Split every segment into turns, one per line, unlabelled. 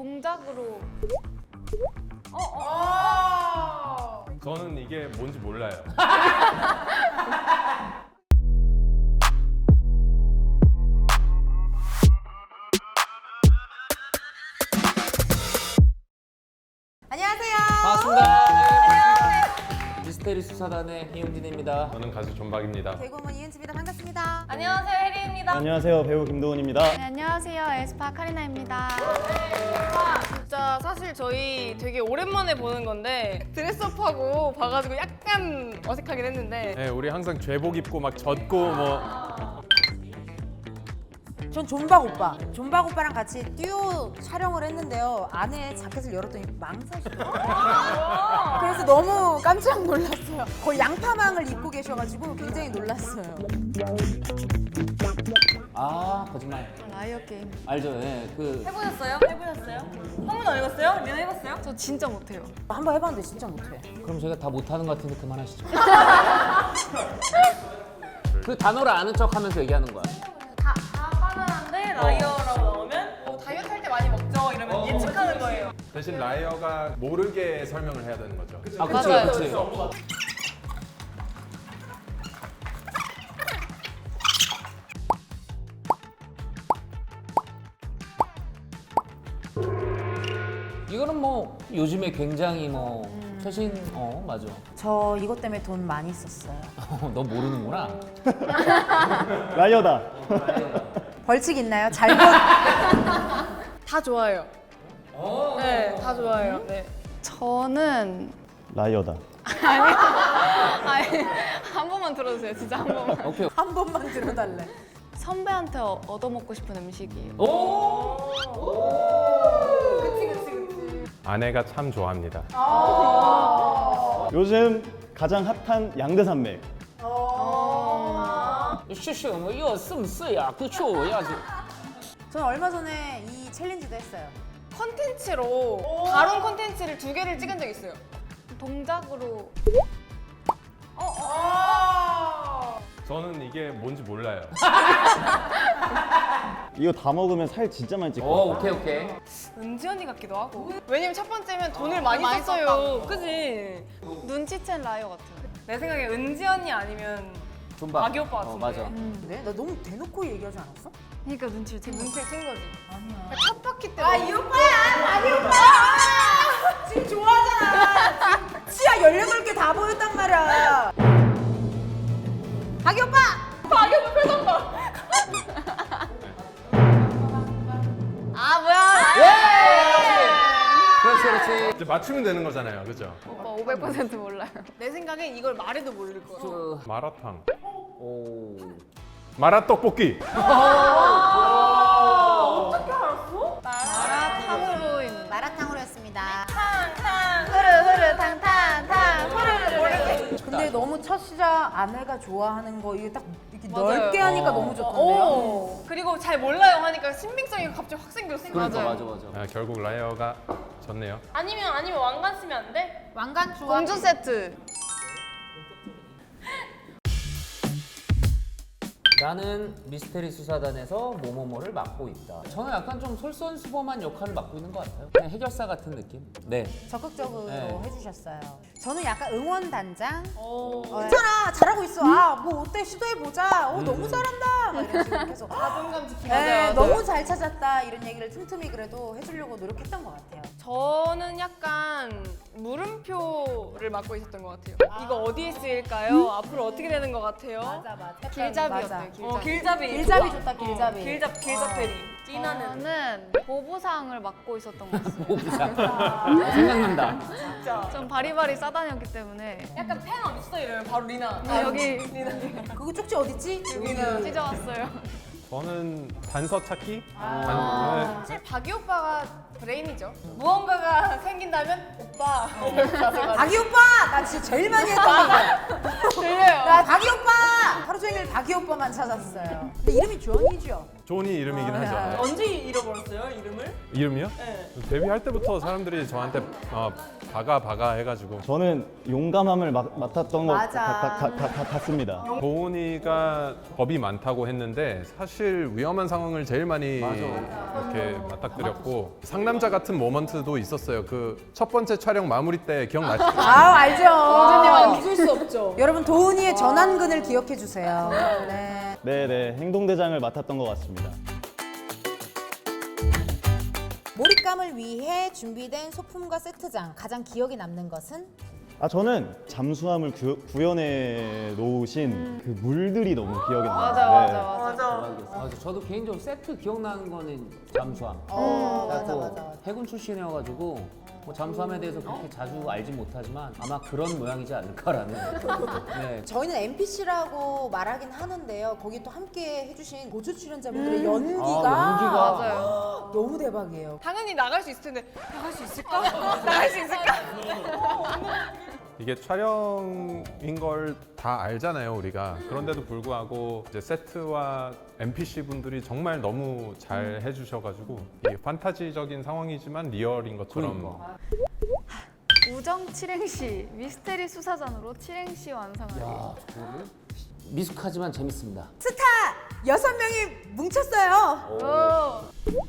동작으로.
저는 이게 뭔지 몰라요.
안녕하세요.
반갑습니다. 네. 미스테리 수사단의 이용진입니다.
저는 가수 존박입니다.
개그우먼 이은지입니다. 반갑습니다.
안녕하세요, 혜리입니다.
안녕하세요, 배우 김도훈입니다.
네, 안녕하세요, 에스파 카리나입니다.
진짜 사실 저희 되게 오랜만에 보는 건데 드레스업하고 봐가지고 약간 어색하긴 했는데
네, 우리 항상 죄복 입고 막 젖고 뭐
전 존박 오빠. 존박 오빠랑 같이 듀오 촬영을 했는데요. 안에 자켓을 열었더니 망사시더라고요. 그래서 너무 깜짝 놀랐어요. 거의 양파망을 입고 계셔가지고 굉장히 놀랐어요.
아 거짓말.
라이어 게임.
알죠? 예. 그
해보셨어요? 해보셨어요? 한 번도 안 해봤어요? 리나 해봤어요?
저 진짜 못해요.
한번 해봤는데 진짜 못해.
그럼 제가 다 못하는 것 같은데 그만하시죠. 그 단어를 아는 척하면서 얘기하는 거야.
다 바나나인데 라이어라고 나오면 다이어트 할 때 많이 먹죠 이러면 예측하는 거예요.
대신 라이어가 모르게 설명을 해야 되는 거죠.
아 그치
맞아요.
그치. 이거는 뭐 요즘에 굉장히 뭐 최신 맞아.
저 이것 때문에 돈 많이 썼어요.
너 모르는구나.
라이어다.
벌칙 있나요? 잘못.
다 좋아요. 네, 다 좋아해요. 네.
저는
라이어다.
아니, 한 번만 들어주세요, 진짜 한 번만.
오케이.
한 번만 들어달래.
선배한테 얻어먹고 싶은 음식이에요.
오.
아내가 참 좋아합니다.
요즘 가장 핫한 양대산맥.
쉬쉬 뭐 이거 쓰야 그쵸 야지.
저는 얼마 전에 이 챌린지도 했어요.
컨텐츠로 다른 컨텐츠를 2개를 찍은 적 있어요.
동작으로.
저는 이게 뭔지 몰라요.
이거 다 먹으면 살 진짜 많이 찔
오
것 같아.
네.
오케이.
은지 언니 같기도 하고. 왜냐면 첫 번째면 돈을 많이
많이
썼어요. 그지?
눈치챈 라이어 같아요.
내 생각에 은지 언니 아니면
존박.
박이 오빠 같은데.
맞아.
네? 나 너무 대놓고 얘기하지 않았어?
그러니까 눈치를 챈 거지.
눈치를 챈 거지.
아니야.
첫 바퀴 때.
이 오빠야! 박이 오빠! 지금 좋아하잖아. 치아 18개 다 보였단 말이야. 박이 오빠!
박이 오빠 표정 봐.
아, 뭐야!
그렇지 그렇지.
이제 맞추면 되는 거잖아요, 그죠?
오빠 500% 몰라요.
내 생각엔 이걸 말해도 모를 거야.
그,
마라탕,
오.
마라떡볶이.
마라탕으로 있는.
마라탕으로 했습니다.
흐르흐르 탕탕탕 흐르르르.
근데 너무 첫 시작 아내가 좋아하는 거 이게 딱 이렇게
맞아요.
넓게 하니까 너무 좋던데요?
오. 그리고 잘 몰라요 하니까 신빙성이 갑자기 확 생겼어.
그러니까
맞아요.
맞아.
아, 결국 라이어가 졌네요.
아니면 왕관 쓰면 안 돼?
왕관 좋아.
공주 세트.
나는 미스테리 수사단에서 뭐뭐뭐를 맡고 있다. 저는 약간 좀 솔선수범한 역할을 맡고 있는 것 같아요. 그냥 해결사 같은 느낌? 네.
적극적으로
네.
해주셨어요. 저는 약간 응원단장.
오.
괜찮아, 잘하고 있어. 뭐 어때, 시도해보자. 너무 잘한다. 막 이런 식으로 계속.
자존감 지키고.
네, 너무 잘 찾았다. 이런 얘기를 틈틈이 그래도 해주려고 노력했던 것 같아요.
저는 약간 물음표를 맡고 있었던 것 같아요. 이거 어디에 쓰일까요? 앞으로 어떻게 되는 것 같아요?
맞아.
길잡이였어요,
길잡이.
길잡이 좋다, 길잡이.
길잡 페리. 띠나는.
저는 보부상을 맡고 있었던 것 같아요.
오부상. 생각난다.
진짜.
전 바리바리 싸다녔기 때문에.
약간 펜 어딨어 이러면 바로 리나.
여기
그거 쪽지 어딨지? 여기는.
찢어왔어요.
저는 단서 찾기.
사실 박이 오빠가 브레인이죠. 무언가가 생긴다면 오빠. 이렇게 가서
박이 오빠! 나 진짜 제일 많이 했던 거.
들려요.
나 박이 오빠! 하루 종일 박이 오빠만 찾았어요. 근데 이름이 존이죠?
존이 이름이긴 하죠.
언제 잃어버렸어요 이름을?
이름이요?
네.
데뷔할 때부터 사람들이 저한테 바가 해가지고
저는 용감함을 맡았던 것
맞아.
같습니다.
도훈이가 겁이 많다고 했는데 사실 위험한 상황을 제일 많이 이렇게 맞닥뜨렸고 상남자 같은 모먼트도 있었어요. 그 첫 번째 촬영 마무리 때 기억나시죠?
아 알죠.
잊을 수 없죠.
여러분 도훈이의 전완근을 기억해 주세요. 네.
네네, 행동대장을 맡았던 것 같습니다.
몰입감을 위해 준비된 소품과 세트장 가장 기억에 남는 것은?
저는 잠수함을 구현해 놓으신 그 물들이 너무 기억에 나요.
맞아. 저도 개인적으로 세트 기억나는 거는 잠수함.
맞아.
또 해군 출신이어가지고 뭐 잠수함에 대해서 그렇게 자주 알지 못하지만 아마 그런 모양이지 않을까라는. 네.
저희는 NPC라고 말하긴 하는데요. 거기 또 함께 해주신 고조 출연자분들의 연기가,
연기가.
맞아요.
너무 대박이에요.
당연히 나갈 수 있을 텐데 나갈 수 있을까? 나갈 수 있을까?
이게 촬영인 걸 다 알잖아요, 우리가. 그런데도 불구하고 이제 세트와 NPC 분들이 정말 너무 잘 해주셔가지고 이게 판타지적인 상황이지만 리얼인 것처럼.
그러니까.
우정 칠행시 미스테리 수사전으로 칠행시 완성하기.
야, 저거를 미숙하지만 재밌습니다.
스타 6명이 뭉쳤어요.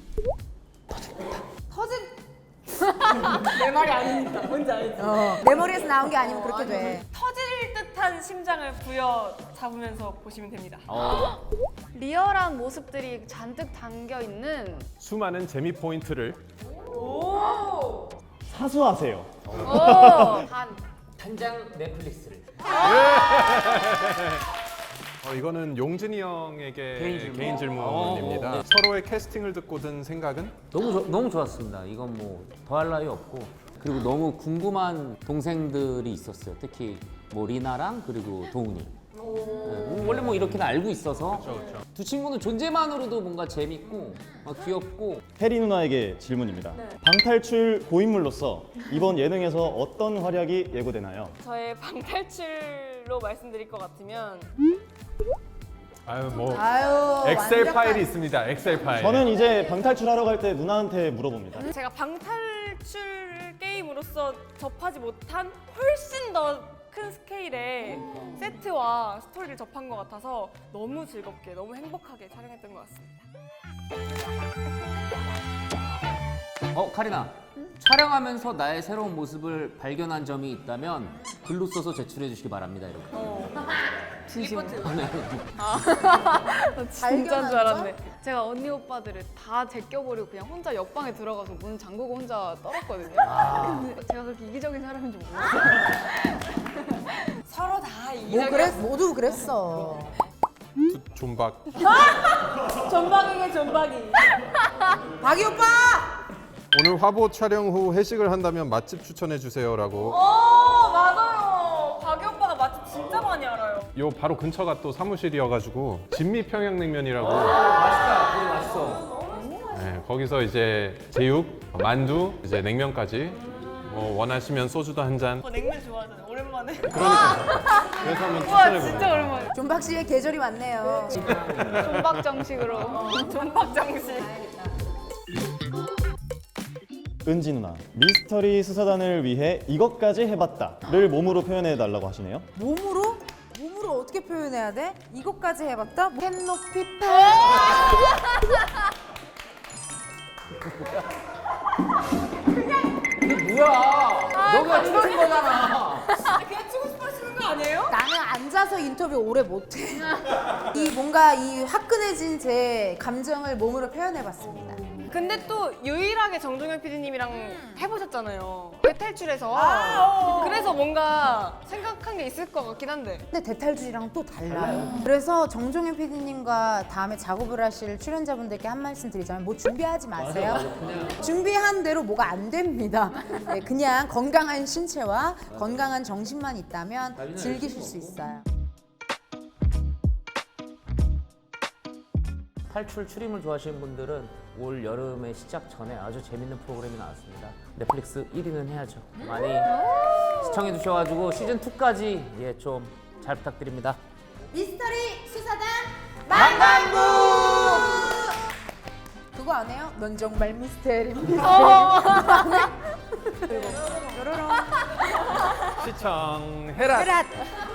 터진
내 말이 아닙니다. 뭔지 알지?
내 머리에서 나온 게 아니면 그렇게 돼.
터질 듯한 심장을 부여 잡으면서 보시면 됩니다.
리얼한 모습들이 잔뜩 담겨 있는.
수많은 재미 포인트를
사수하세요.
단.
한장 넷플릭스를.
이거는 용진이 형에게
개인 질문.
질문입니다.
네.
서로의 캐스팅을 듣고 든 생각은?
너무 좋았습니다. 이건 뭐 더할 나위 없고 그리고 너무 궁금한 동생들이 있었어요. 특히 뭐 리나랑 그리고 도훈이. 네, 원래 뭐 이렇게는 알고 있어서
그렇죠.
두 친구는 존재만으로도 뭔가 재밌고 귀엽고.
혜리 누나에게 질문입니다. 방탈출 고인물로서 이번 예능에서 어떤 활약이 예고되나요?
저의 방탈출로 말씀드릴 것 같으면
엑셀
완벽한-
파일이 있습니다. 엑셀 파일.
저는 이제 방탈출하러 갈 때 누나한테 물어봅니다.
제가 방탈출 게임으로서 접하지 못한 훨씬 더 큰 스케일의 세트와 스토리를 접한 것 같아서 너무 즐겁게 너무 행복하게 촬영했던 것 같습니다.
카리나. 촬영하면서 나의 새로운 모습을 발견한 점이 있다면 글로 써서 제출해 주시기 바랍니다. 이렇게.
진심으로.
발견한
줄 알았네. 제가 언니 오빠들을 다 제껴버리고 그냥 혼자 옆방에 들어가서 문 잠그고 혼자 떨었거든요. 근데 제가 그렇게 이기적인 사람인지 몰랐어요.
서로 다
모두 그랬어.
존박.
전방이게 전방이.
박이 오빠!
오늘 화보 촬영 후 회식을 한다면 맛집 추천해 주세요라고.
맞아요. 박이 오빠가 맛집 진짜 많이 알아요.
요 바로 근처가 또 사무실이어가지고 진미 평양냉면이라고.
맛있다. 되게 맛있어.
네, 거기서 이제 제육, 만두, 이제 냉면까지 뭐 원하시면 소주도 한 잔.
냉면 좋아하잖아요. 오랜만에.
그러니까 그래서 한번 추천해 봅니다.
오랜만에.
존박 씨의 계절이 왔네요.
존박 정식으로.
존박 정식.
은지 누나, 미스터리 수사단을 위해 이것까지 해봤다를 몸으로 표현해 달라고 하시네요.
몸으로? 몸으로 어떻게 표현해야 돼? 이것까지 해봤다? 캔 높이 파.
뭐야? 너가 추는 거잖아.
그냥 치고 싶어 하시는 거 아니에요?
나는 앉아서 인터뷰 오래 못해. 이 뭔가 이 화끈해진 제 감정을 몸으로 표현해봤습니다.
근데 또 유일하게 정종현 PD님이랑 해보셨잖아요. 대탈출에서. 그래서 뭔가 생각한 게 있을 것 같긴 한데.
근데 대탈주의랑 또 달라요. 그래서 정종현 PD님과 다음에 작업을 하실 출연자분들께 한 말씀 드리자면 뭐 준비하지 마세요. 준비한 대로 뭐가 안 됩니다. 네, 그냥 건강한 신체와 건강한 정신만 있다면 즐기실 수 있어요.
탈출 추림을 좋아하시는 분들은 올 여름의 시작 전에 아주 재밌는 프로그램이 나왔습니다. 넷플릭스 1위는 해야죠. 많이 시청해 주셔가지고 시즌 2까지 좀 잘 부탁드립니다.
미스터리 수사단 만반부! 그거 안 해요? 넌 정말 미스테리 미스테리 안 해? 그리고 뾰로롱
시청해라.
헤랏